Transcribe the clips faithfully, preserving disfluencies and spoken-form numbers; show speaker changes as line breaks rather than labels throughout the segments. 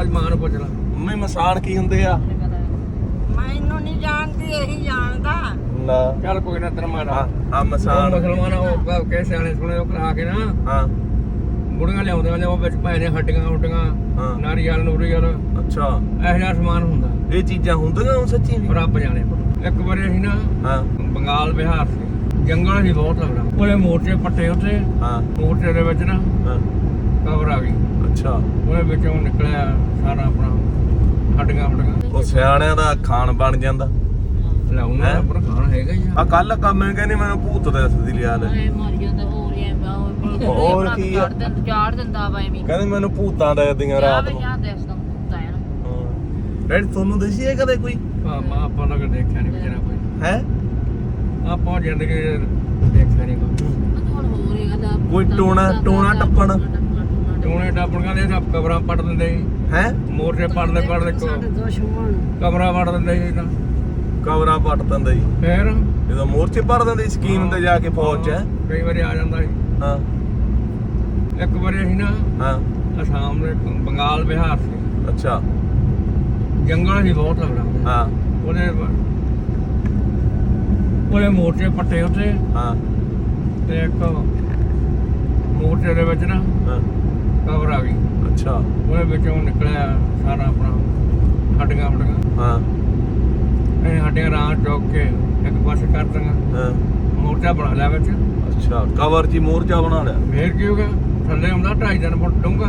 ਅੱਜ ਮਾਂ ਨੂੰ ਪੁੱਛ ਲਾ।
ਮੰਮੀ ਮਸਾਨ ਕੀ ਹੁੰਦੇ ਆ?
ਮੈਨੂੰ ਨਹੀਂ ਜਾਣਦੀ, ਇਹੀ ਜਾਣਦਾ।
ਨਾ
ਚੱਲ ਕੋਈ ਨਾ ਤੇਰਾ ਮਾਰਾ
ਹਾਂ ਆ
ਉਹ
ਮਸਾਨ
ਮੁਸਲਮਾਨ ਉਹ ਕਹਿ ਸਿਆਣੇ ਸੁਣੇ ਉਹ ਕਰਾ ਕੇ ਨਾ
ਹਾਂ
ਬੁੜੀਆਂ ਲਿਆਉਂਦੇ ਨੇ ਉਹ ਵਿੱਚ ਭਾਏ ਨੇ ਹੱਡੀਆਂ ਹੁੱਡੀਆਂ
ਹਾਂ
ਨਾਰੀਅਲ ਨੂਰੀਅਲ
ਅੱਛਾ
ਇਹੋ ਜਿਹਾ ਸਮਾਨ ਹੁੰਦਾ।
ਇਹ ਚੀਜ਼ਾਂ ਹੁੰਦੀਆਂ ਹੁਣ ਸੱਚੀ ਵੀ?
ਰੱਬ ਜਾਣੇ। ਇੱਕ ਵਾਰੀ ਅਸੀਂ ਨਾ
ਹਾਂ
ਬੰਗਾਲ ਬਿਹਾਰ ਸੀ, ਜੰਗਲ ਸੀ ਬਹੁਤ ਲੱਗਦਾ। ਉਹਦੇ ਮੋਰਚੇ ਪੱਟੇ ਉੱਤੇ,
ਹਾਂ
ਮੋਰਚੇ ਦੇ ਵਿੱਚ ਨਾ
ਹਾਂ
ਕਬਰ ਆ ਗਈ।
ਅੱਛਾ
ਉਹਦੇ ਵਿੱਚੋਂ ਨਿਕਲਿਆ ਸਾਰਾ ਆਪਣਾ ਹੱਡੀਆਂ ਹੁੱਡੀਆਂ।
ਉਹ ਸਿਆਣਿਆਂ ਦਾ ਖਾਣ ਬਣ ਜਾਂਦਾ।
ਲਾਉਣਾ
ਹੈਂ?
ਪਰ ਖਾਣਾ ਹੈਗਾ ਹੀ ਆ।
ਆ ਕੱਲ ਕੰਮ ਕਹਿੰਦੀ ਮੈਨੂੰ ਭੂਤ ਦੱਸਦੀ ਲਿਆ ਲੈ
ਐ ਮਰ ਜਾਂਦਾ ਹੋਰ ਐ
ਹੋਰ ਕੀ ਆ?
ਚਾੜ ਦਿੰਦਾ ਵਾ ਐਵੇਂ।
ਕਹਿੰਦੀ ਮੈਨੂੰ ਭੂਤਾਂ ਦੱਸਦੀਆਂ ਰਾਤ ਨੂੰ।
ਯਾਰ ਦੱਸਦਾ ਹੁੰਦਾ ਹੈ ਨਾ।
ਹਾਂ ਡੈਡੀ ਤੁਹਾਨੂੰ ਦੱਸੀ ਹੈ ਕਦੇ ਕੋਈ?
ਹਾਂ ਮਾਂ ਆਪਾਂ ਨੂੰ ਕਦੇ ਦੇਖਿਆ ਨਹੀਂ ਵਿਚਾਰਾ ਕੋਈ।
ਹੈ
ਆਪਾਂ ਜ਼ਿੰਦਗੀ ਚ ਦੇਖਿਆ ਨਹੀਂ ਕੋਈ।
ਹੁਣ ਹੋਰ ਇਹ ਗੱਲ
ਕੋਈ ਟੋਣਾ ਟੋਣਾ ਟੱਪਣ
ਟੂਣੇ ਟਾਪਣੀਆਂ ਦੇ ਸਭ ਕਬਰਾਂ ਪੜ ਦਿੰਦੇ ਸੀ,
ਹੈ
ਮੋਰਚੇ ਪੜਦੇ ਪੜਦੇ
ਦੁਸ਼ਮਣ
ਕਬਰਾਂ ਪੜ ਦਿੰਦੇ ਸੀ ਤਾਂ
ਕਬਰਾਂ ਪੱਟ ਦਿੰਦੇ ਜੀ
ਫੇਰ
ਜਦੋਂ ਮੋਰਚੇ ਭਰ ਦਿੰਦੇ ਸਕੀਮ ਤੇ ਜਾ ਕੇ ਫੌਜ ਚ ਹੈਂ?
ਕਈ ਵਾਰੀ ਆ ਜਾਂਦਾ ਸੀ।
ਹਾਂ
ਇੱਕ ਵਾਰੀ ਅਸੀਂ ਨਾ
ਹਾਂ
ਅਸਾਮ ਦੇ ਬੰਗਾਲ ਬਿਹਾਰ ਸੀ,
ਅੱਛਾ
ਜੰਗਲ ਸੀ ਬਹੁਤ ਲੱਗਦਾ।
ਹਾਂ
ਉਹਦੇ ਉਹਦੇ ਮੋਰਚੇ ਪੱਟੇ ਉੱਤੇ
ਹਾਂ
ਤੇ ਇੱਕ ਮੋਰਚੇ ਦੇ ਵਿੱਚ ਨਾ
ਹਾਂ
ਕਬਰ ਆ ਗਈ।
ਅੱਛਾ
ਉਹਦੇ ਵਿੱਚੋਂ ਨਿਕਲਿਆ ਸਾਰਾ ਆਪਣਾ ਹੱਡੀਆਂ ਹੁੱਡੀਆਂ।
ਹਾਂ
ਇਹ ਹੱਡੀਆਂ ਰਾਹ ਚੁੱਕ ਕੇ ਇੱਕ ਪਾਸੇ ਕਰ ਦਾਂਗਾ,
ਹਾਂ
ਮੋਰਚਾ ਬਣਾ ਲਿਆ ਵਿੱਚ।
ਅੱਛਾ ਕਵਰ ਜੀ ਮੋਰਚਾ ਬਣਾ ਲਿਆ।
ਫੇਰ ਕੀ ਹੋ ਗਿਆ? ਥੱਲੇ ਹੁੰਦਾ ਢਾਈ ਤਿੰਨ ਫੁੱਟ ਡੂੰਘਾ।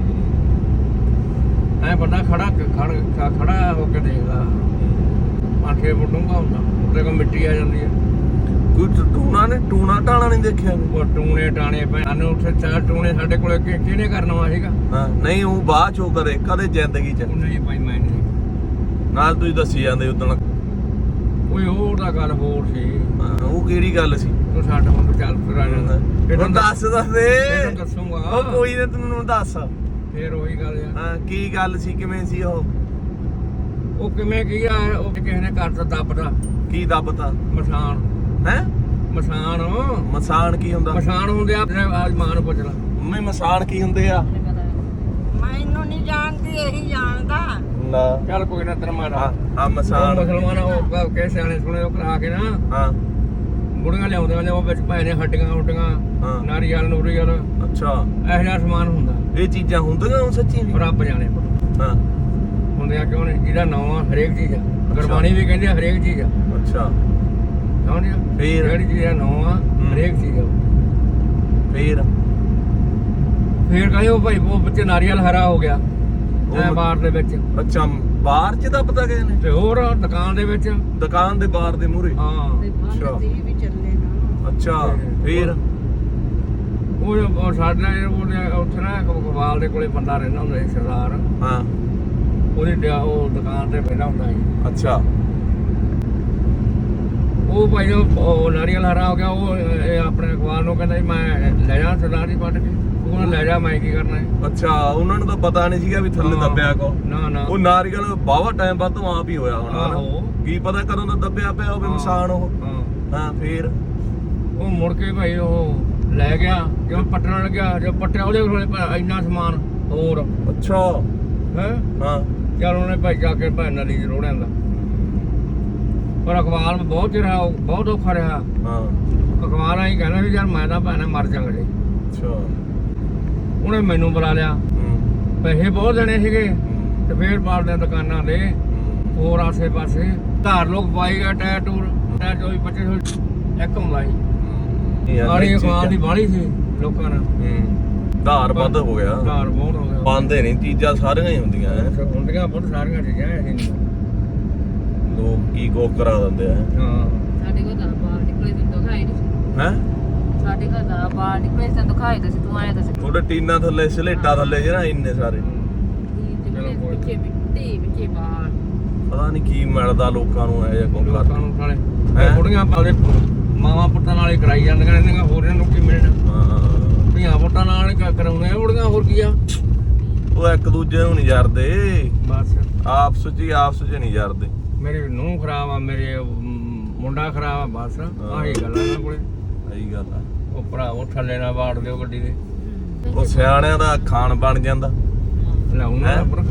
ਐ ਬੰਦਾ ਖੜਾ ਖੜ ਖੜਾ ਹੋ ਕੇ ਦੇਖਦਾ, ਪੰਜ ਛੇ ਫੁੱਟ ਡੂੰਘਾ ਹੁੰਦਾ। ਉੱਤੇ ਕੋ ਮਿੱਟੀ ਆ ਜਾਂਦੀ ਹੈ।
ਕੋਈ ਟੂਣਾ ਨੇ ਟੂਣਾ ਟਾਣਾ ਨਹੀਂ ਦੇਖਿਆ?
ਉਹ ਟੂਣੇ ਟਾਣੇ ਪੈ ਸਾਨੂੰ ਉੱਥੇ ਚਾਰ ਟੂਣੇ ਸਾਡੇ ਕੋਲੇ ਕਿ- ਕਿਹਨੇ ਕਰਨਾ ਵਾ ਸੀਗਾ?
ਹਾਂ ਨਹੀਂ ਉਹ ਬਾਅਦ ਚੋਂ ਕਰੇ ਕਦੇ ਜ਼ਿੰਦਗੀ ਚ
ਉਹਨੇ ਹੀ ਭਾਈ ਮੈਂ ਨਹੀਂ।
ਨਾਲ ਤੁਸੀਂ ਦੱਸੀ ਜਾਂਦੇ ਉਦੋਂ
ਕੋਈ ਹੋਰ ਦਾ ਗੱਲ ਹੋਰ ਸੀ।
ਉਹ ਕਿਹੜੀ ਗੱਲ ਸੀ?
ਤੂੰ ਸਾਡਾ ਹੁਣ ਚੱਲ ਫਿਰ ਆ ਜਾਂਦਾ। ਇਹ
ਹੁਣ ਦੱਸ ਦੱਸ ਦੇ।
ਤੈਨੂੰ ਦੱਸੂਗਾ।
ਉਹ ਕੋਈ ਨਾ ਤੈਨੂੰ ਦੱਸ।
ਫੇਰ ਉਹੀ ਗੱਲ ਆ।
ਹਾਂ ਕੀ ਗੱਲ ਸੀ ਕਿਵੇਂ ਸੀ ਉਹ?
ਉਹ ਕਿਵੇਂ ਕੀ ਆ? ਉਹ ਕਿਸੇ ਨੇ ਕਰਤਾ ਦੱਬਦਾ
ਕੀ ਦੱਬਤਾ?
ਮਸਾਨ।
ਹੈ
ਮਸਾਨ
ਮਸਾਨ ਕੀ ਹੁੰਦਾ?
ਮਸਾਨ ਹੁੰਦੇ ਆ। ਅੱਜ ਮਾਂ ਨੂੰ ਪੁੱਛ ਲਾ।
ਮੰਮੀ ਮਸਾਨ ਕੀ ਹੁੰਦੇ ਆ?
ਮੈਨੂੰ ਨਹੀਂ ਜਾਣਦੀ, ਇਹੀ ਜਾਣਦਾ।
ਨਾ
ਚੱਲ ਕੋਈ ਨਾ ਤੇਰਾ ਮਾਰਾ
ਹਾਂ ਆ
ਉਹ
ਮਸਾਨ
ਮੁਸਲਮਾਨ ਉਹ ਕਹਿ ਸਿਆਣੇ ਸੁਣੇ ਉਹ ਕਰਾ ਕੇ ਨਾ
ਹਾਂ
ਬੁੜੀਆਂ ਲਿਆਉਂਦੇ ਨੇ ਉਹ ਵਿੱਚ ਭਾਏ ਨੇ ਹੱਡੀਆਂ ਹੁੱਡੀਆਂ
ਹਾਂ
ਨਾਰੀਅਲ ਨੂਰੀਅਲ
ਅੱਛਾ
ਇਹੋ ਜਿਹਾ ਸਮਾਨ ਹੁੰਦਾ।
ਇਹ ਚੀਜ਼ਾਂ ਹੁੰਦੀਆਂ ਹੁਣ ਸੱਚੀ ਵੀ?
ਰੱਬ ਜਾਣੇ
ਹਾਂ
ਹੁੰਦੇ ਆ ਕਿਉਂ ਨਹੀਂ? ਜਿਹਦਾ ਨਾਂ ਆ ਹਰੇਕ ਚੀਜ਼ ਆ। ਗੁਰਬਾਣੀ ਵੀ ਕਹਿੰਦੀ ਆ ਹਰੇਕ ਚੀਜ਼ ਆ।
ਅੱਛਾ
ਕਿਉਂ ਨਹੀਂ?
ਫੇਰ?
ਜਿਹੜੀ ਚੀਜ਼ ਦਾ ਨਾਂ ਆ ਹਰੇਕ ਚੀਜ਼ ਆ।
ਫੇਰ
ਫੇਰ ਕਹਿੰਦੇ ਉਹ ਭਾਈ ਉਹ ਬੱਚੇ ਨਾਰੀਅਲ ਹਰਾ ਹੋ ਗਿਆ ਐ ਬਾਰ ਦੇ ਵਿੱਚ।
ਅੱਛਾ ਬਾਹਰ ਚ ਤਾਂ ਪਤਾ ਗਏ ਨੇ
ਤੇ ਹੋਰ ਦੁਕਾਨ ਦੇ ਵਿੱਚ।
ਦੁਕਾਨ ਦੇ ਬਾਹਰ ਦੇ ਮੂਹਰੇ?
ਹਾਂ
ਅੱਛਾ
ਵੀ ਚੱਲੇ ਨਾ।
ਅੱਛਾ ਫੇਰ
ਉਹ ਉਹ ਸਾਡਾ ਉਹਨੇ ਉੱਥੇ ਨਾ ਕਵਾਲ ਦੇ ਕੋਲੇ ਬੰਦਾ ਰਹਿੰਦਾ ਹੁੰਦਾ ਸੀ ਸਰਦਾਰ।
ਹਾਂ
ਉਹਦੀ ਡਿਆ- ਉਹ ਦੁਕਾਨ ਤੇ ਬੈਠਾ ਹੁੰਦਾ ਸੀ।
ਅੱਛਾ
ਉਹ ਭਾਈ ਉਹ ਉਹ ਨਾਰੀਅਲ ਹਰਾ ਹੋ ਗਿਆ। ਉਹ ਇਹ ਆਪਣੇ ਅਖਬਾਰ ਨੂੰ ਕਹਿੰਦਾ ਸੀ ਮੈਂ ਲੈ ਜਾ ਸਰਦਾਰ ਜੀ ਵੱਢ ਕੇ। ਉਹ ਕਹਿੰਦਾ ਲੈ ਜਾ ਮੈਂ ਕੀ ਕਰਨਾ ਹੈ।
ਅੱਛਾ ਉਹਨਾਂ ਨੂੰ ਤਾਂ ਪਤਾ ਨਹੀਂ ਸੀਗਾ ਵੀ ਥੱਲੇ
ਹਾਂ।
ਦੱਬਿਆ ਕੋ।
ਨਾ ਨਾ
ਉਹ ਨਾਰੀਅਲ ਬਾਵਾ ਟਾਈਮ ਬਾਅਦ ਤੋਂ ਆਪ ਹੀ ਹੋਇਆ ਹੋਣਾ
ਆਹੋ।
ਹਨਾ? ਕੀ ਪਤਾ ਕਦੋਂ ਦਾ ਦੱਬਿਆ ਪਿਆ ਹੋਵੇ
ਹਾਂ।
ਮਸਾਨ ਉਹ।
ਹਾਂ
ਹਾਂ ਫੇਰ
ਉਹ ਮੁੜ ਕੇ ਭਾਈ ਉਹ ਲੈ ਗਿਆ ਜਦੋਂ ਪੱਟਣ ਲੱਗਿਆ। ਜਦੋਂ ਪੱਟਿਆ ਉਹਦੇ ਕੋਲੇ ਭਾਈ ਇੰਨਾ ਸਮਾਨ ਹੋਰ
ਅੱਛਾ
ਹੈ।
ਹਾਂ
ਚਲ ਉਹਨੇ ਭਾਈ ਜਾ ਕੇ ਭਾਈ ਨਦੀ ਚ ਰੋੜਿਆ ਦਾ। ਪਰ ਅਖਬਾਰ ਬਹੁਤ ਚਿਰ ਰਿਹਾ, ਬਹੁਤ ਔਖਾ ਰਿਹਾ।
ਹਾਂ
ਅਖਬਾਰਾਂ ਹੀ ਕਹਿੰਦਾ ਸੀ ਯਾਰ ਮੈਂ ਤਾਂ ਭੈਣੇ ਮਰ ਜਾਵਾਂਗਾ ਜੀ।
ਅੱਛਾ
ਉਹਨੇ ਮੈਨੂੰ ਬੁਲਾ ਲਿਆ।
ਹੂੰ
ਪੈਸੇ ਬਹੁਤ ਦੇਣੇ ਸੀਗੇ ਤੇ ਫੇਰ ਮਾਰਦੇ ਦੁਕਾਨਾਂ ਦੇ ਹੋਰ ਆਸੇ ਪਾਸੇ ਧਾਰ ਲੋਕ ਪਾਈ ਗਿਆ ਟਾਇਰ ਟੂਰ ਟਾਇਰ ਚੌਵੀ ਪੱਚੀ ਸੌ ਇੱਕ ਹੁੰਦਾਈ। ਆੜੀ ਅਖਬਾਰ ਦੀ ਬਾਹਲੀ ਸੀ ਲੋਕਾਂ ਨਾਲ।
ਹੂੰ ਧਾਰ ਵੱਧ ਹੋ ਗਿਆ।
ਧਾਰ ਬਹੁਤ ਹੋ ਗਿਆ।
ਪਾਉਂਦੇ ਨਹੀਂ ਚੀਜ਼ਾਂ ਸਾਰੀਆਂ ਹੀ ਹੁੰਦੀਆਂ ਐ।
ਹੁੰਦੀਆਂ ਬਹੁਤ ਸਾਰੀਆਂ ਚੀਜ਼ਾਂ ਐ ਨਹੀਂ।
ਲੋਕ ਕੀ ਕੋ ਕਰਾ ਦਿੰਦੇ ਆ।
ਹਾਂ
ਸਾਡੇ ਕੋਲ ਤਾਂ ਬਾਹਰ ਨਿਕਲੇ ਤੈਨੂੰ ਦਿਖਾਈ ਨਹੀਂ।
ਹੈ
ਸਾਡੇ ਘਰ ਦਾ ਬਾਹਰ ਨਿਕਲੇ ਤੈਨੂੰ ਦਿਖਾਈ ਤਾਂ ਸੀ। ਤੂੰ ਆਇਆ ਤਾਂ ਸੀ
ਤੁਹਾਡੇ ਟੀਨਾ ਥੱਲੇ ਸਲੇਟਾ ਥੱਲੇ ਜਿਹੜਾ ਇੰਨੇ ਸਾਰੇ
ਪਿੱਛੇ ਮਿੱਟੀ ਪਿੱਛੇ ਬਾਹਰ।
ਪਤਾ ਨਹੀਂ ਕੀ ਮਿਲਦਾ ਲੋਕਾਂ ਨੂੰ ਐ ਜਾਂ ਕੋ
ਲੋਕਾਂ
ਕਰ।
ਨੂੰ ਸਾਲੇ
ਹੈਂ?
ਬੁੜੀਆਂ ਪਾਲੇ ਮਾਵਾਂ ਪੁੱਤਾਂ ਨਾਲ ਹੀ ਕਰਾਈ ਜਾਂਦੀਆਂ ਰਹਿੰਦੀਆਂ। ਹੋਰ ਇਹਨਾਂ ਨੂੰ ਕੀ ਮਿਲਣਾ?
ਹਾਂ
ਧੀਆਂ ਪੁੱਤਾਂ ਨਾਲ ਹੀ ਕਰਾਉਂਦੇ ਆ ਬੁੜੀਆਂ। ਹੋਰ ਕੀ ਆ?
ਉਹ ਇੱਕ ਦੂਜੇ ਨੂੰ ਨਹੀਂ ਜਰਦੇ।
ਬਸ
ਆਪਸ ਚ ਹੀ ਆਪਸ ਚ ਨਹੀਂ ਜਰਦੇ।
ਮੇਰੀ ਨੂੰਹ ਖਰਾਬ ਆ, ਮੇਰੇ ਅਮ, ਮੁੰਡਾ ਖਰਾਬ ਆ। ਬਸ ਆਹੀ ਗੱਲਾਂ ਇਹਨਾਂ ਕੋਲੇ।
ਸਹੀ ਗੱਲ ਆ।
ਉਹ ਭਰਾਵੋ ਥੱਲੇ ਨਾ ਵਾੜ ਦਿਓ ਗੱਡੀ ਦੇ।
ਉਹ ਸਿਆਣਿਆਂ ਦਾ ਖਾਣ ਬਣ ਜਾਂਦਾ।
ਲਾਉਣਾ ਪਰ ਖਾਣਾ ਹੈਗਾ।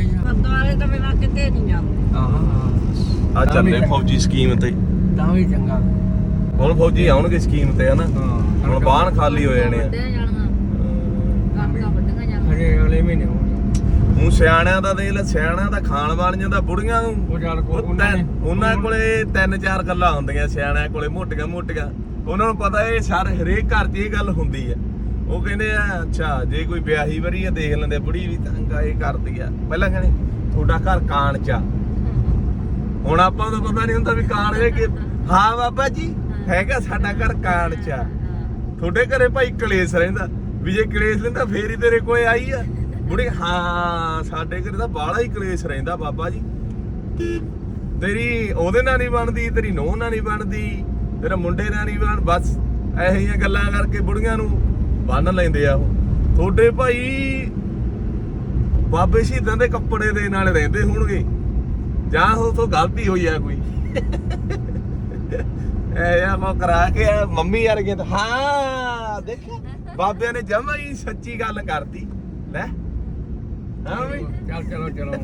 ਹੀ ਆ
ਗੁਰਦੁਆਰੇ ਤਾਂ ਬਿਨਾਂ ਕਿਤੇ ਨਹੀਂ ਜਾਂਦੇ।
ਹਾਂ
ਆ ਚੱਲੇ ਫੌਜੀ ਸਕੀਮ ਤੇ
ਤਾਂ ਵੀ ਚੰਗਾ
ਹੁਣ ਫੌਜੀ ਆਉਣਗੇ ਸਕੀਮ ਤੇ ਹਨਾ
ਹਾਂ
ਹੁਣ ਬਾਹਨ ਖਾਲੀ ਹੋ ਜਾਣੇ ਆ
ਵੱਢੀਆਂ ਜਾਣੀਆਂ ਕਣਕਾਂ ਵੱਢੀਆਂ ਜਾਣੀਆਂ
ਹਜੇ ਅਗਲੇ ਮਹੀਨੇ ਹੋਣਗੇ
ਹੁਣ ਸਿਆਣਿਆਂ ਦਾ ਦੇਖ ਲੈ ਸਿਆਣਿਆਂ ਦਾ ਖਾਣ ਵਾਲੀਆਂ ਦਾ ਬੁੜੀਆਂ ਨੂੰ
ਉਹ ਚੱਲ ਕੋ
ਉਹ
ਉਹਨਾਂ ਨੇ
ਤਿੰਨ- ਉਹਨਾਂ ਕੋਲੇ ਤਿੰਨ ਚਾਰ ਗੱਲਾਂ ਹੁੰਦੀਆਂ ਸਿਆਣਿਆਂ ਕੋਲੇ ਮੋਟੀਆਂ ਮੋਟੀਆਂ ਉਹਨਾਂ ਨੂੰ ਪਤਾ ਇਹ ਸਾਰੇ ਹਰੇਕ ਘਰ 'ਚ ਇਹ ਗੱਲ ਹੁੰਦੀ ਆ ਉਹ ਕਹਿੰਦੇ ਆ ਅੱਛਾ ਜੇ ਕੋਈ ਵਿਆਹੀ ਵਰੀ ਆ ਦੇਖ ਲੈਂਦੇ ਬੁੜੀ ਵੀ ਤੰਗਾ ਇਹ ਕਰਦੀ ਆ ਪਹਿਲਾਂ ਕਹਿੰਦੇ ਤੁਹਾਡਾ ਘਰ ਕਾਣ 'ਚ ਆ ਹੁਣ ਆਪਾਂ ਨੂੰ ਪਤਾ ਨਹੀਂ ਹੁੰਦਾ ਵੀ ਕਾਣ ਹੈ ਕਿ ਹਾਂ ਬਾਬਾ ਜੀ ਹੈਗਾ ਸਾਡਾ ਘਰ ਕਾਣ 'ਚ ਆ ਤੁਹਾਡੇ ਘਰੇ ਭਾਈ ਕਲੇਸ਼ ਰਹਿੰਦਾ ਵੀ ਜੇ ਕਲੇਸ਼ ਲੈਂਦਾ ਫੇਰ ਹੀ ਤੇਰੇ ਕੋਲੇ ਆਈ ਆ ਬੁੜੀ ਹਾਂ ਸਾਡੇ ਘਰੇ ਤਾਂ ਬਾਹਲਾ ਹੀ ਕਲੇਸ਼ ਰਹਿੰਦਾ ਬਾਬਾ ਜੀ ਤੇਰੀ ਉਹਦੇ ਨਾਲ ਨਹੀਂ ਬਣਦੀ ਤੇਰੀ ਨੂੰਹ ਨਾਲ ਨਹੀਂ ਬਣਦੀ ਤੇਰਾ ਮੁੰਡੇ ਨਾਲ ਨਹੀਂ ਬਣ ਬਸ ਇਹੋ ਜਿਹੀਆਂ ਗੱਲਾਂ ਕਰਕੇ ਬੁੜੀਆਂ ਨੂੰ ਬੰਨ ਲੈਂਦੇ ਆ ਉਹ ਤੁਹਾਡੇ ਭਾਈ ਬਾਬੇ ਸ਼ਹੀਦਾਂ ਦੇ ਕੱਪੜੇ ਦੇ ਨਾਲ ਰਹਿੰਦੇ ਹੋਣਗੇ ਜਾਂ ਉਹ ਤੋਂ ਗਲਤੀ ਹੋਈ ਆ ਕੋਈ ਐ ਯਾ ਕੋ ਕਰਾ ਕੇ ਮੰਮੀ ਵਰਗੇ ਤਾਂ ਹਾਂ ਦੇਖਿਆ ਬਾਬਿਆਂ ਨੇ ਜਮਾ ਹੀ ਸੱਚੀ ਗੱਲ ਕਰਤੀ ਲੈ ਹਾਂ ਵੀ
ਚੱਲ ਚਲੋ ਚਲੋ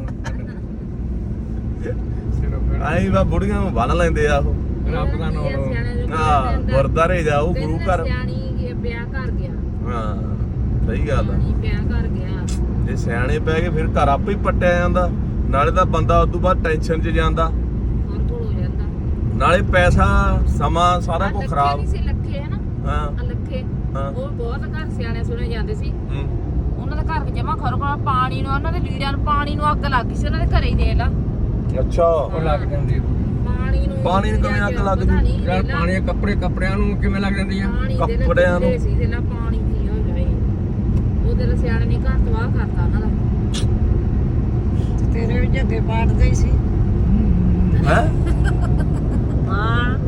ਚਲੋ ਫਿਰ
ਆਈ ਵਾ ਬੁੜੀਆਂ ਨੂੰ ਬੰਨ ਲੈਂਦੇ ਆ ਉਹ
ਰੱਬ ਦਾ ਨਾਮ
ਹਾਂ ਗੁਰਦਾਰੇ ਜਾਓ ਗੁਰੂ ਘਰ
ਸਿਆਣੀ ਵਿਆਹ ਕਰ ਗਿਆ
ਹਾਂ ਸਹੀ ਗੱਲ ਆ
ਸਿਆਣੀ ਵਿਆਹ ਕਰ ਗਿਆ
ਜੇ ਸਿਆਣੇ ਪੈ ਗਏ ਫਿਰ ਘਰ ਆਪੇ ਹੀ ਪੱਟਿਆ ਜਾਂਦਾ ਨਾਲੇ ਤਾਂ ਬੰਦਾ ਉਸ ਤੋਂ ਬਾਅਦ ਟੈਨਸ਼ਨ 'ਚ ਜਾਂਦਾ
ਹੋਰ ਕੋਲ ਹੋ ਜਾਂਦਾ
ਨਾਲੇ ਪੈਸਾ ਸਮਾਂ ਸਾਰਾ ਕੁਝ ਖਰਾਬ
ਨਹੀਂ ਸੀ ਲੱਖੇ ਹੈ ਨਾ
ਹਾਂ
ਆ ਲੱਖੇ
ਹਾਂ
ਉਹ ਬਹੁਤ ਘਰ ਸਿਆਣੇ ਸੁਣੇ ਜਾਂਦੇ ਸੀ
ਹੂੰ।
ਉਹਨਾਂ ਦਾ ਘਰ ਜਮਾ ਖਰੋ ਖਰਾ ਪਾਣੀ ਨੂੰ ਉਹਨਾਂ ਦੇ ਲੀੜਿਆਂ ਨੂੰ ਪਾਣੀ ਨੂੰ ਅੱਗ ਲੱਗ ਗਈ ਸੀ ਉਹਨਾਂ ਦੇ ਘਰੇ ਹੀ ਦੇਖ ਲਾ
ਅੱਛਾ
ਉਹ ਲੱਗ ਜਾਂਦੀ
ਪਾਣੀ ਨੂੰ
ਪਾਣੀ ਨੂੰ ਕਿਵੇਂ ਅੱਗ ਲੱਗ
ਪਤਾ
ਗਈ?
ਨਹੀਂ,
ਯਾਰ
ਦੇਖ ਲਾ,
ਪਾਣੀ ਕੱਪੜੇ ਕੱਪੜਿਆਂ ਨੂੰ ਕਿਵੇਂ ਲੱਗ ਜਾਂਦੀ ਆ
ਪਾਣੀ ਦੇ
ਕੱਪੜਿਆਂ ਨੂੰ।
ਸੀ ਦੇ ਲਾ ਪਾਣੀ ਦੀ ਹੋ ਜਾਏ ਉਹਦੇ ਨਾਲ ਸਿਆਣੇ ਨੇ ਘਰ ਤਬਾਹ ਕਰਤਾ ਉਹਨਾਂ ਦਾ
ਤੇਰੇ ਵੀ ਜੱਗੇ ਪਾੜਦੇ ਹੀ ਸੀ।
ਹੈ
ਹਾਂ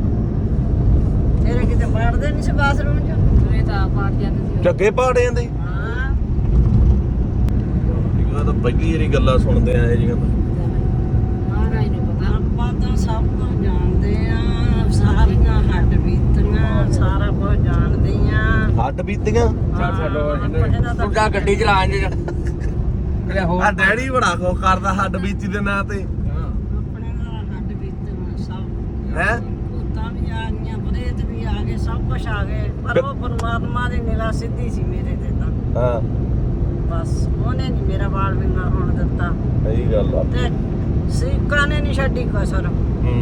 ਤੇਰੇ ਕਿਤੇ ਪਾੜਦੇ ਨਹੀਂ ਸੀ ਬਾਥਰੂਮ 'ਚ।
ਜਿਵੇਂ ਤਾਂ ਪਾੜ ਜਾਂਦੇ ਸੀ
ਜੱਗੇ ਪਾੜੇ ਜਾਂਦੇ
ਹਾਂ
ਇਹ ਤਾਂ ਪਹਿਲੀ ਵਾਰੀ ਗੱਲਾਂ ਸੁਣਦੇ ਆ ਇਹ ਜੀਆਂ
ਮਹਾਰਾਜ ਨੂੰ ਪਤਾ
ਆਪਾਂ ਤਾਂ ਸਭ ਕੁਝ ਜਾਣਦੇ ਆ ਸਾਰੀਆਂ ਹੱਡ ਬੀਤੀਆਂ ਸਾਰਾ ਕੁਝ ਜਾਣਦੇ ਆ।
ਹੱਡ ਬੀਤੀਆਂ
ਚੱਲ ਛੱਡੋ ਤੂੰ ਜਾ ਗੱਡੀ ਚਲਾ ਇੰਜ ਕਿਹੜਾ ਹੋਰ
ਆ ਡੈਡੀ ਬੜਾ ਖੋ ਕਰਦਾ ਹੱਡ ਬੀਤੀ ਦੇ ਨਾਂ ਤੇ
ਹਾਂ।
ਆਪਣੇ ਨਾਲ ਹੱਡ ਬੀਤੀਆਂ ਸਭ
ਹੈ
ਭੂਤਾਂ ਵੀ ਆ ਗਈਆਂ ਪ੍ਰੇਤ ਵੀ ਆ ਗਏ ਸਭ ਕੁਝ ਆ ਗਏ ਪਰ ਉਹ ਪਰਮਾਤਮਾ ਦੀ ਨਿਗਾਹ ਸਿੱਧੀ ਸੀ ਮੇਰੇ ਤੇ ਤਾਂ
ਹਾਂ
ਬਸ ਉਹਨੇ ਨਹੀਂ ਮੇਰਾ ਵਾਲ ਵਿੰਗਾ ਹੋਣ ਦਿੱਤਾ
ਸਹੀ ਗੱਲ ਆ
ਤੇ ਸਰੀਕਾਂ ਨੇ ਨਹੀਂ ਛੱਡੀ ਕਸਰ
ਹੂੰ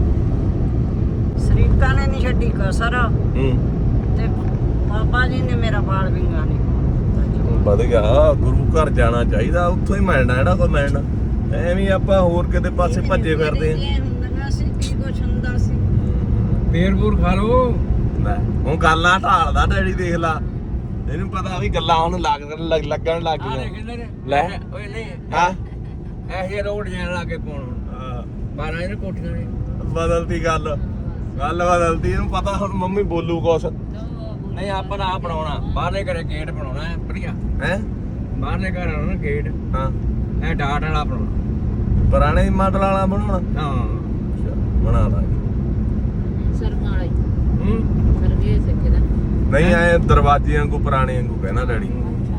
ਸਰੀਕਾਂ ਨੇ ਨਹੀਂ ਛੱਡੀ ਕਸਰ
ਹੂੰ
ਤੇ ਬਾਬਾ ਜੀ ਨੇ ਮੇਰਾ ਵਾਲ ਵਿੰਗਾ ਨਹੀਂ ਹੋਣ ਦਿੱਤਾ।
ਵਧ ਗਿਆ ਗੁਰੂ ਘਰ ਜਾਣਾ ਚਾਹੀਦਾ ਉੱਥੋਂ ਹੀ ਮਿਲਣਾ ਜਿਹੜਾ ਕੋਈ ਮਿਲਣਾ ਐਵੇਂ ਆਪਾਂ ਹੋਰ ਕਿਤੇ ਪਾਸੇ ਭੱਜੇ ਫਿਰਦੇ ਆ
ਇਹ ਹੁੰਦੀਆਂ ਸੀ ਕੀ ਕੁਛ ਹੁੰਦਾ ਸੀ।
ਬੇਰ ਬੂਰ ਖਾ ਲੋ
ਲੈ ਹੁਣ ਗੱਲਾਂ ਢਾਲਦਾ ਡੈਡੀ ਦੇਖ ਲਾ ਇਹਨੂੰ ਪਤਾ ਵੀ ਗੱਲਾਂ ਉਹਨੂੰ ਲੱਗ ਲੱਗ- ਲੱਗਣ ਲੱਗ
ਆ
ਗਈਆਂ
ਕਿੰਨੇ ਨੇ
ਲੈ।
ਓਏ ਨਹੀਂ
ਹਾਂ
ਐਸੇ ਰੋਡ ਜਾਣ ਲੱਗੇ ਪਾਉਣ ਬਾਰਾਂ ਇਹਨੇ ਕੋਠੀਆਂ ਨੇ
ਬਦਲਦੀ ਗੱਲ ਗੱਲ ਬਦਲਦੀ ਇਹਨੂੰ ਪਤਾ ਹੁਣ ਮੰਮੀ ਬੋਲੂ ਕੁਛ
ਨਹੀਂ ਆਪਾਂ ਨਾ ਬਣਾਉਣਾ ਬਾਹਰਲੇ ਘਰੇ ਗੇਟ ਬਣਾਉਣਾ ਹੈ ਵਧੀਆ
ਹੈ
ਬਾਹਰਲੇ ਘਰ ਵਾਲਾ ਨਾ ਗੇਟ
ਹਾਂ
ਇਹ ਡਾਟ ਵਾਲਾ ਬਣਾਉਣਾ
ਪੁਰਾਣੇ ਮਾਡਲ ਵਾਲਾ ਬਣਾਉਣਾ
ਹਾਂ
ਅੱਛਾ, ਬਣਾ ਦਾਂਗੇ
ਸਰਮਾਂ ਵਾਲੀ
ਹੂੰ
ਸਰਗੇ ਸਿੱਖਦਾ
ਨਹੀਂ ਆਏ ਦਰਵਾਜ਼ੇ ਵਾਂਗੂ ਪੁਰਾਣੇ ਵਾਂਗੂ ਕਹਿਣਾ ਡੈਡੀ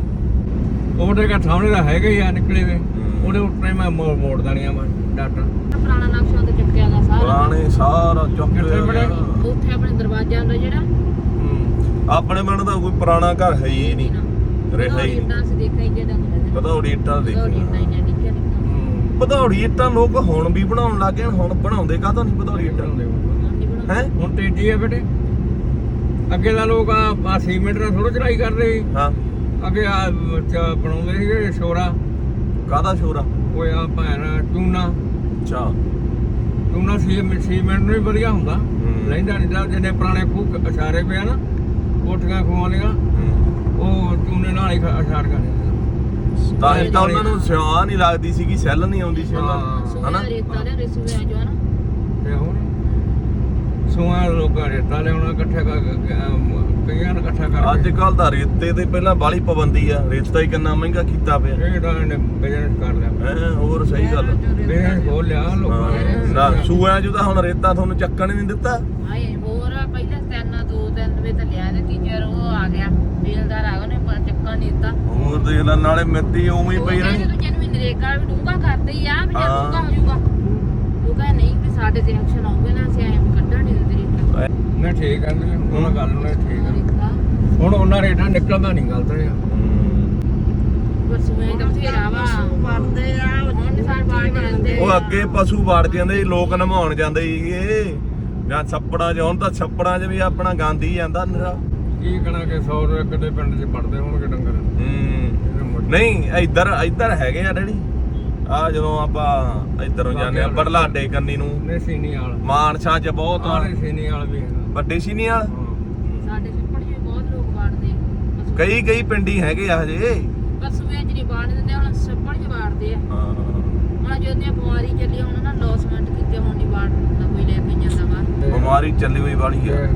ਉਹਦੇ ਘਰ ਸਾਹਮਣੇ ਦਾ ਹੈਗਾ ਹੀ ਆ ਨਿਕਲੇ ਵੇ ਉਹਦੇ ਉੱਤੇ ਮੈਂ ਮੋੜ ਮੋੜ ਦਣੀਆਂ ਮੈਂ ਡਾਟਾ
ਪੁਰਾਣਾ ਨਕਸ਼ਾ ਤੇ ਚੱਕਿਆ ਦਾ ਸਾਰਾ
ਪੁਰਾਣੇ ਸਾਰਾ ਚੁੱਕ
ਕਿੱਥੇ
ਲਿਆ
ਬਣੇ?
ਉੱਥੇ ਆਪਣੇ ਦਰਵਾਜ਼ਾ ਹੁੰਦਾ ਜਿਹੜਾ
ਹੂੰ। ਆਪਣੇ ਮਨ ਦਾ ਕੋਈ ਪੁਰਾਣਾ ਘਰ ਹੈ ਹੀ ਨਹੀਂ ਰਿਹਾ ਹੀ ਨਹੀਂ
ਡਾਂਸ ਦੇਖਿਆ ਜਿਹੜਾ ਹੁੰਦਾ
ਭਦੌੜੀ ਇੱਟਾਂ
ਦੋੜੀ
ਦੇਖੀ
ਨਹੀਂ ਨਹੀਂ ਨਿੱਕੇ ਨਿੱਕੇ
ਭਦੌੜੀ ਇੱਟਾਂ ਲੋਕ ਹੁਣ ਵੀ ਬਣਾਉਣ ਲੱਗ ਗਏ ਹੁਣ ਬਣਾਉਂਦੇ ਕਾਹਤੋਂ ਨਹੀਂ ਭਦੌੜੀ ਇੱਟਾਂ ਹੈ
ਹੁਣ ਤੇਜ਼ੀ ਹੈ ਬੇਟੇ ਅੱਗੇ ਦਾ ਲੋਕ ਆ ਆ ਸੀਮੈਂਟ ਨਾਲ ਥੋੜਾ ਚੜਾਈ ਕਰਦੇ ਸੀ
ਹਾਂ
ਅੱਗੇ ਆ ਚ- ਬਣਾਉਂਦੇ ਸੀਗੇ ਸ਼ੋਰਾ
ਕਾਹਦਾ ਸ਼ੋਰਾ
ਉਹ ਆ ਭੈਣ ਚੂਨਾ
ਅੱਛਾ
ਚੂਨਾ ਸੀ- ਸੀਮੈਂਟ ਨੂੰ ਵੀ ਵਧੀਆ ਹੁੰਦਾ ਲੈਂਦਾ ਨਹੀਂ ਦਾ ਜਿਹਨੇ ਪੁਰਾਣੇ ਖੂਹ ਅਸ਼ਾਰੇ ਪਿਆ ਨਾ ਕੋਠੀਆਂ ਖੂਹਾਂ ਲੀਆਂ ਉਹ ਚੂਨੇ ਨਾਲ ਹੀ ਖ- ਅਸ਼ਾਰ ਕਰਦੇ
ਤਾਂ ਹੀ ਤਾਂ ਉਹਨਾਂ ਨੂੰ ਸਿਆਹ ਨਹੀਂ ਲੱਗਦੀ ਸੀ ਕਿ ਸੈੱਲ ਨਹੀਂ ਆਉਂਦੀ ਸੀ ਉਹਨਾਂ ਨੂੰ
ਸੋਨਾ
ਹਨਾ
ਰੇਤਾ ਦੇ ਰਿਸਵੇ ਜੋ ਹੈ ਨਾ
ਤੇ ਹੁਣ ਸੋਆ ਲੋਕਾਂ ਰੇਤਾ ਲਿਆਉਣਾ ਇਕੱਠਾ ਕਰ ਕਈਆਂ ਨੂੰ ਇਕੱਠਾ ਕਰ
ਅੱਜ ਕੱਲ ਦਾ ਰੇਤੇ ਤੇ ਪਹਿਲਾਂ ਬਾਲੀ ਪਾਬੰਦੀ ਆ ਰੇਤਾ ਹੀ ਕਿੰਨਾ ਮਹਿੰਗਾ ਕੀਤਾ ਪਿਆ
ਇਹ ਤਾਂ ਇਹਨੇ ਬਿਜ਼ਨਸ ਕਰ ਲਿਆ
ਹੈ ਹੋਰ ਸਹੀ ਗੱਲ
ਬਿਜ਼ਨਸ ਖੋਲ ਲਿਆ ਲੋਕਾਂ ਨੇ
ਹਾਂ, ਨਾ ਸੂਆ ਜੂ ਤਾਂ ਹੁਣ ਰੇਤਾ ਤੁਹਾਨੂੰ ਚੱਕਣ ਹੀ ਨਹੀਂ ਦਿੱਤਾ
ਹਾਏ ਹੋਰ ਪਹਿਲਾਂ ਤਿੰਨ ਦੋ ਤਿੰਨ ਵੇ ਤਾਂ ਲਿਆ ਤੇ ਤੀਜੇ ਉਹ ਆ ਗਿਆ ਬੇਲਦਾਰ ਆ ਗਿਆ ਉਹਨੇ ਪ- ਚੱਕਣ ਨਹੀਂ ਦਿੱਤਾ
ਹੋਰ ਦੇਖ ਲੈ ਨਾਲੇ ਮਿੱਟੀ ਉਵੇਂ ਹੀ ਪਈ ਰਹਿਣੀ
ਜਦੋਂ ਜਨਮੀ ਨਰੇਗਾ ਕਰਦੇ ਹੀ ਆ ਵੀ
ਹਾਂ।
ਜਦੋਂ ਹੋ ਜਾਊਗਾ ਉਹ ਕਹਿੰਦਾ ਨਹੀਂ ਵੀ ਸਾਡੇ ਤੇ ਐਕਸ਼ਨ ਆਉਗੇ ਨਾ ਅਸੀਂ ਐਂ ਕੱਢਣ ਨਹੀਂ ਦਿੰਦੇ ਰੇਟਾਂ
ਨੇ ਠੀਕ ਕਹਿੰਦੇ ਨੇ, ਉਹਨਾਂ ਗੱਲ ਨੂੰ ਠੀਕ ਆ
ਰੇਟਾਂ
ਹੁਣ ਉਹਨਾਂ ਰੇਟਾਂ ਨਿਕਲਦਾ ਨਹੀਂ ਗੱਲ ਤਾਂ ਇਹ ਆ।
ਪਰ ਸੂਏ ਦਾ ਫੇਰਾ ਵਾ
ਬਣਦੇ ਆ
ਹੁਣ ਸਾਰੇ ਬਾਹਰ ਜਾਂਦੇ
ਉਹ ਅੱਗੇ ਪਸ਼ੂ ਵੜ ਜਾਂਦੇ ਸੀ, ਲੋਕ ਨਮਾਉਣ ਜਾਂਦੇ ਸੀਗੇ ਜਾਂ ਛੱਪੜਾਂ 'ਚ, ਹੁਣ ਤਾਂ ਛੱਪੜਾਂ 'ਚ ਵੀ ਆਪਣਾ ਗੰਦ ਹੀ ਜਾਂਦਾ ਨਿਰਾ।
ਕੀ ਕਹਣਾ ਕਿ ਸੌ ਰੁਪਏ ਕਿਤੇ ਪਿੰਡ 'ਚ ਪੜਦੇ ਹੋਣਗੇ ਡੰਗਰ
ਹੂੰ ਨਹੀਂ ਇੱਧਰ ਇੱਧਰ ਹੈਗੇ ਆ ਡੈਡੀ ਆ ਜਦੋਂ ਆਪਾਂ ਇੱਧਰੋਂ ਜਾਂਦੇ ਆ ਬੜਲਾਡੇ ਕੰਨੀ ਨੂੰ
ਨੇ ਸੀਨੀ ਵਾਲ
ਮਾਨਸਾ 'ਚ ਬਹੁਤ ਆ
ਆਰੇ ਸੀਨੀ ਵਾਲ ਵੀ ਹੈਗਾ
ਵੱਡੇ ਸੀਨੀ ਵਾਲ
ਸਾਡੇ ਛੱਪੜ 'ਚ ਵੀ ਬਹੁਤ ਲੋਕ ਵਾੜਦੇ ਆ।
ਕਈ ਕਈ ਪਿੰਡੀ ਹੈਗੇ ਆ ਹਜੇ
ਪਰ ਸੂਏ 'ਚ ਨਹੀਂ ਵਾੜ ਦਿੰਦੇ ਹੁਣ ਛੱਪੜ 'ਚ ਵਾੜਦੇ ਆ।
ਹਾਂ
ਹੁਣ ਜਦੋਂ ਦੀ ਬਿਮਾਰੀ ਚੱਲੀ ਹੁਣ ਨਾ ਲੌਸਮੈਂਟ ਕੀਤੇ ਹੁਣ ਨਹੀਂ ਵਾੜ ਦਿੰਦਾ ਕੋਈ ਲੈ ਕੇ ਜਾਂਦਾ ਬਾਹਰ
ਬਿਮਾਰੀ ਚੱਲੀ ਹੋਈ ਵਾਲੀ ਆ